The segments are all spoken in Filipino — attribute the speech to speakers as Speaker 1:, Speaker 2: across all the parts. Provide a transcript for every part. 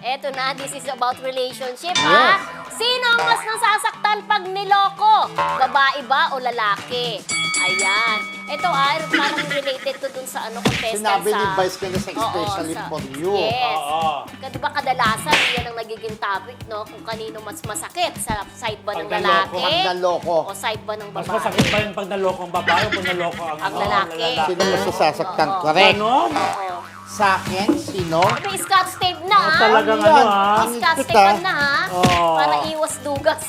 Speaker 1: Eto na, this is about relationship, ha? Sino ang mas nasasaktan pag niloko? Babae ba o lalaki? Ayan. Ito parang related to dun sa contestant
Speaker 2: Sinabi ni
Speaker 1: sa...
Speaker 2: Vice Ganda sa especially for you.
Speaker 1: Yes.
Speaker 3: Oo.
Speaker 1: Diba kadalasan, yan ang nagiging topic, no? Kung kanino mas masakit, sa side ba ng
Speaker 3: Pag naloko.
Speaker 1: lalaki?
Speaker 2: Pag naloko.
Speaker 1: O side ba ng
Speaker 3: Mas
Speaker 1: babae?
Speaker 3: masakit ba yung pag naloko ang babae o pag naloko ang
Speaker 1: lalaki?
Speaker 2: Sino mas nasasaktan?
Speaker 1: Oo.
Speaker 2: Correct.
Speaker 3: Ganon?
Speaker 1: Oo.
Speaker 2: Sa akin, sino?
Speaker 1: May scotch tape na, ha?
Speaker 3: Talagang
Speaker 2: Ayan.
Speaker 3: ano,
Speaker 1: May scotch
Speaker 2: Kita.
Speaker 1: tape na, ha?
Speaker 3: Oo.
Speaker 1: Para iwas dugas.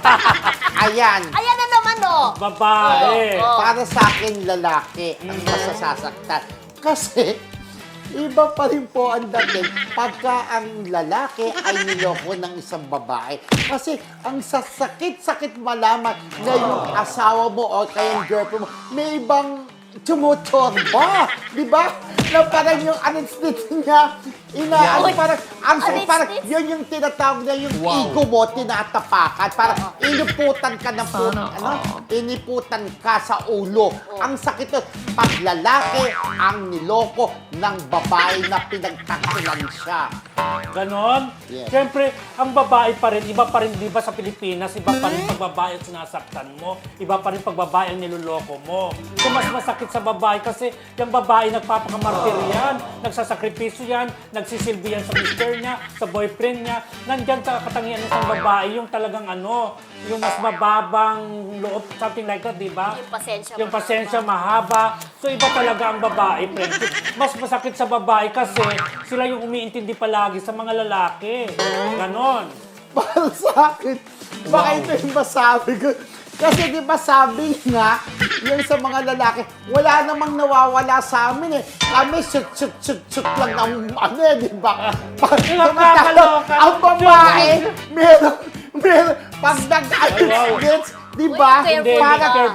Speaker 2: Ayan.
Speaker 1: Ayan na naman, oh.
Speaker 3: Babae.
Speaker 1: Oo.
Speaker 2: Para sa akin, lalaki ang mas nasasaktan. Kasi, iba pa rin po ang dating pagka ang lalaki ay niloko ng isang babae. Kasi ang sasakit-sakit malaman na yung asawa mo o kaya yung girlfriend mo, may ibang tumuturba. Di ba? Na parang yung anesthetic niya,
Speaker 1: Uy,
Speaker 2: parang, parang
Speaker 1: anesthetic?
Speaker 2: yun yung tinatawag na yung ego mo, tinatapakan. Parang iniputan ka ng iniputan ka sa ulo. Ang sakit nun, pag lalaki ang niloko ng babae na pinagtaksilan siya.
Speaker 3: Ganon?
Speaker 2: Yes.
Speaker 3: Siyempre, ang babae pa rin, iba pa rin, di ba sa Pilipinas, iba pa rin pag babae ang sinasaktan mo, iba pa rin pag babae ang niloloko mo. So, mas masakit sa babae kasi yung babae nagpapakamartir yan, nagsasakripisyo yan, nagsisilbi yan sa mister niya, sa boyfriend niya. Nandyan sa katangian ng isang babae, yung talagang yung mas mababang loob, something like that, di ba?
Speaker 1: Yung pasensya
Speaker 3: Yung pasensya mahaba. So, iba talaga ang babae, friendship. Mas masakit sa babae kasi sila yung umiintindi palagi sa mga lalaki. Ganon.
Speaker 2: Para sa akin, baka ito yung masabi ko. Kasi di ba sabi nga, yung sa mga lalaki, wala namang nawawala sa amin eh. Kami shoot lang ng di ba?
Speaker 3: Nakakaloka.
Speaker 2: Ang babae, meron, pag nag-ayos, di ba?
Speaker 1: Uy, careful
Speaker 2: Parang
Speaker 1: ka.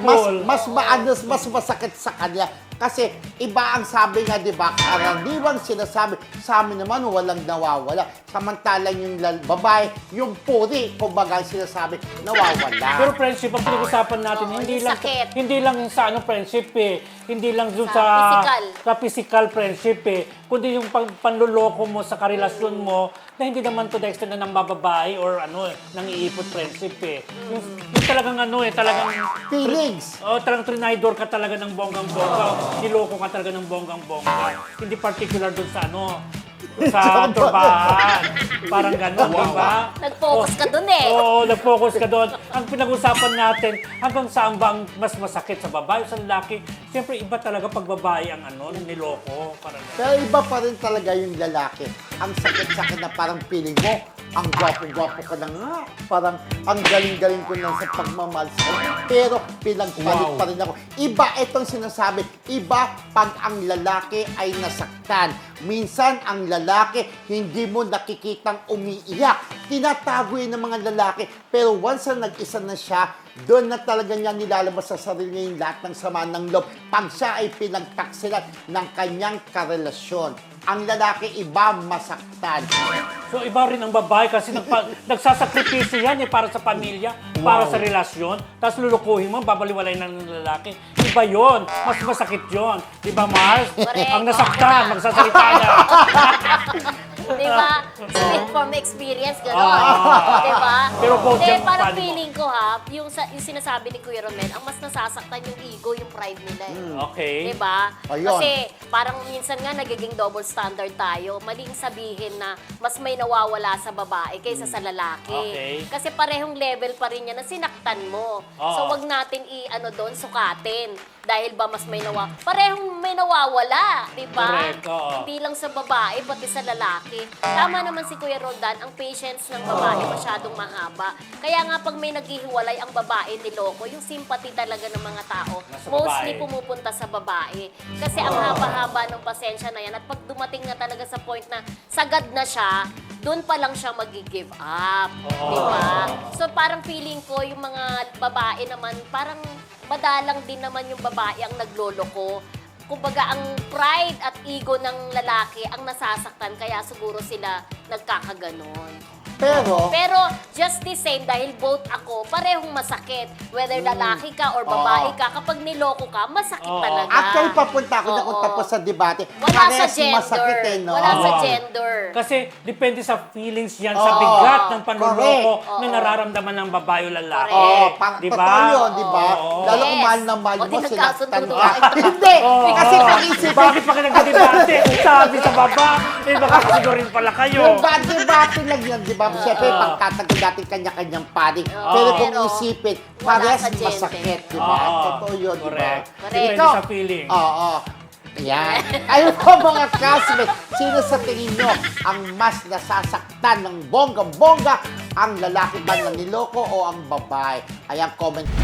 Speaker 2: mas masakit sa kanya. Kasi iba ang sabi nga, di ba? Karaniwang sinasabi, sa amin naman walang nawawala. Samantalang yung babae, yung puri, kumbaga ang sinasabi, nawawala.
Speaker 3: Pero friendship, ang pinag-usapan natin,
Speaker 1: Oo,
Speaker 3: hindi
Speaker 1: yung
Speaker 3: lang
Speaker 1: sakit.
Speaker 3: hindi lang sa friendship eh. Hindi lang dun
Speaker 1: Sa physical.
Speaker 3: sa physical friendship eh. Kundi yung panluloko mo sa karelasyon mo na hindi naman to the extent na ng bababae or nang iipot friendship eh. Yung talagang talagang
Speaker 2: Feelings.
Speaker 3: talagang trinidor ka talaga ng bonggang-bongga. Niloko ka talaga ng bonggang-bongga. Hindi particular dun sa sa turbahan. Parang gano'n, di ba?
Speaker 1: Nag-focus ka dun eh.
Speaker 3: Oo, nag-focus ka doon. Ang pinag-usapan natin, hanggang saan ba ang mas masakit sa babae o sa lalaki? Siyempre, iba talaga pag babae ang niloko. Parang gano'n.
Speaker 2: Pero iba pa rin talaga yung lalaki. Ang sakit-sakit na parang feeling mo, ang gwapo-gwapo ka na nga. Parang ang galing-galing ko lang sa pagmamahal sa'yo. Pero pinagpalit pa rin ako. Iba itong sinasabi. Iba pag ang lalaki ay nasaktan. Minsan ang lalaki hindi mo nakikitang umiiyak. Tinatago yun ng mga lalaki. Pero once na nag-isa na siya, doon na talaga niya nilalabas sa sarili niya yung lahat ng sama ng loob. Pag siya ay pinagtaksilan ng kanyang karelasyon. Ang lalaki iba masaktan.
Speaker 3: So, iba rin ang babae kasi nagsasakripisyo yan para sa pamilya, para sa relasyon. Tapos lulukuhin mo, babaliwalay na ng lalaki. Iba yon, mas masakit yon. Di ba, Mars?
Speaker 1: Correct.
Speaker 3: Ang nasaktan, magsasalita na.
Speaker 1: Di ba? Speak from experience, gano'n.
Speaker 3: Ah.
Speaker 1: Di ba?
Speaker 3: Pero both
Speaker 1: Hindi,
Speaker 3: yung
Speaker 1: parang
Speaker 3: paano mo?
Speaker 1: feeling ko yung sinasabi ni Kuya Romel, ang mas nasasaktan yung ego, yung pride nila eh.
Speaker 3: Okay.
Speaker 1: Di ba?
Speaker 2: Ayun.
Speaker 1: Kasi parang minsan nga nagiging double standard tayo. Maling sabihin na mas may nawawala sa babae kaysa sa lalaki.
Speaker 3: Okay.
Speaker 1: Kasi parehong level pa rin yan na sinaktan mo.
Speaker 3: Oo.
Speaker 1: So wag natin doon sukatin. Dahil ba mas may parehong may nawawala, di ba?
Speaker 3: Correct, oo.
Speaker 1: Hindi lang sa babae, pati sa lalaki. Tama naman si Kuya Roldan, ang patience ng babae masyadong mahaba. Kaya nga pag may naghihiwalay ang babae niloko, yung sympathy talaga ng mga tao,
Speaker 3: Nasa
Speaker 1: mostly
Speaker 3: babae.
Speaker 1: pumupunta sa babae. Kasi ang haba-haba ng pasensya na yan at pag dumating na talaga sa point na sagad na siya, doon pa lang siya mag-give up. Di ba? So parang feeling ko yung mga babae naman, parang madalang din naman yung babae ang nagloloko. Kumbaga, ang pride at ego ng lalaki ang nasasaktan, kaya siguro sila nagkakaganon. Pero just the same, dahil both ako, parehong masakit. Whether lalaki ka or babae ka, kapag niloko ka, masakit talaga.
Speaker 2: Actually, papunta ako na kung
Speaker 1: Oo.
Speaker 2: tapos sa debate.
Speaker 1: Wala sa
Speaker 2: Parehas
Speaker 1: gender.
Speaker 2: masakit eh, no?
Speaker 1: Wala sa
Speaker 3: Oo.
Speaker 1: gender.
Speaker 3: Kasi depende sa feelings yan, sa bigat ng panloloko
Speaker 1: Correct.
Speaker 3: na nararamdaman ng babae o lalaki.
Speaker 1: Correct.
Speaker 2: Oo, parang
Speaker 3: Di ba?
Speaker 2: totoo yun, di ba?
Speaker 3: Oo.
Speaker 2: Lalo kung
Speaker 1: Yes.
Speaker 2: mahal na mahal
Speaker 1: O,
Speaker 2: mo,
Speaker 1: di nagkasundo
Speaker 2: sinaktan
Speaker 1: na
Speaker 2: ka. Hindi!
Speaker 3: Oo.
Speaker 2: Kasi pag-isipin,
Speaker 3: Bakit pa kayo nagdedebate? Sabi sa baba, baka siguro rin pala kayo.
Speaker 2: yung debate lang yun, di ba? Siyempre, pagtatagod natin kanya-kanyang paring. Pero kung
Speaker 1: Pero
Speaker 2: isipin,
Speaker 1: wala
Speaker 2: parehas
Speaker 1: sa gender.
Speaker 2: masakit, di ba?
Speaker 3: Oo.
Speaker 2: Totoo yun, di ba?
Speaker 3: Correct.
Speaker 1: Correct.
Speaker 3: Depende
Speaker 2: Ikaw-
Speaker 3: sa feeling.
Speaker 2: Oo. Yan. Ayun po mga classmates, sino sa tingin nyo ang mas nasasaktan ng bongga-bongga? Ang lalaki ba na niloko o ang babae? Ayan, comment